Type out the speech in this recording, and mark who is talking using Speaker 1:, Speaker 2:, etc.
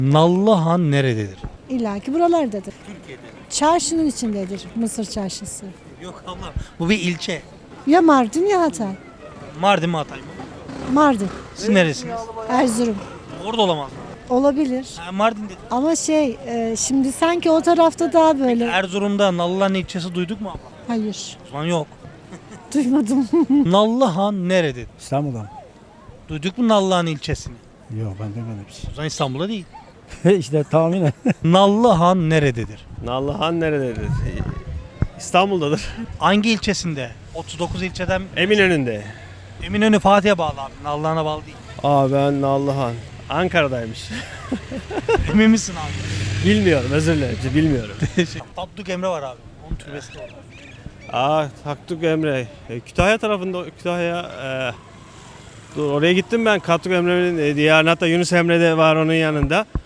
Speaker 1: Nallıhan nerededir?
Speaker 2: İlla ki buralardadır.
Speaker 1: Türkiye'de.
Speaker 2: Çarşının içindedir Mısır çarşısı.
Speaker 1: Yok abla. Bu bir ilçe.
Speaker 2: Ya Mardin ya Hatay.
Speaker 1: Mardin mi Hatay mı?
Speaker 2: Mardin,
Speaker 1: Siz neresiniz?
Speaker 2: Erzurum.
Speaker 1: Orada olamaz mı?
Speaker 2: Olabilir.
Speaker 1: Ha, Mardin dedim.
Speaker 2: Ama şimdi sanki o tarafta daha böyle.
Speaker 1: Erzurum'da Nallıhan ilçesi duyduk mu abla?
Speaker 2: Hayır,
Speaker 1: O zaman yok.
Speaker 2: duymadım.
Speaker 1: Nallıhan nerededir?
Speaker 3: İstanbul'dan.
Speaker 1: Duyduk mu Nallıhan ilçesini?
Speaker 3: Yok ben demedim.
Speaker 1: O zaman İstanbul'da değil.
Speaker 3: işte tahminen.
Speaker 1: Nallıhan nerededir?
Speaker 4: Nallıhan nerededir? İstanbul'dadır.
Speaker 1: Hangi ilçesinde? 39 ilçeden
Speaker 4: Eminönü'nde.
Speaker 1: Eminönü Fatih'e bağlı abi. Nallıhan'a bağlı değil.
Speaker 4: Ben Nallıhan. Ankara'daymış.
Speaker 1: Emin misin abi?
Speaker 4: Bilmiyorum, özür dilerim. Bilmiyorum.
Speaker 1: Tatlık Emre var abi. Onun türbesi de orada.
Speaker 4: Taktuk Emre. Kütahya tarafında, dur oraya gittim ben. Taktuk Emre'nin diğer hatta Yunus Emre de var onun yanında.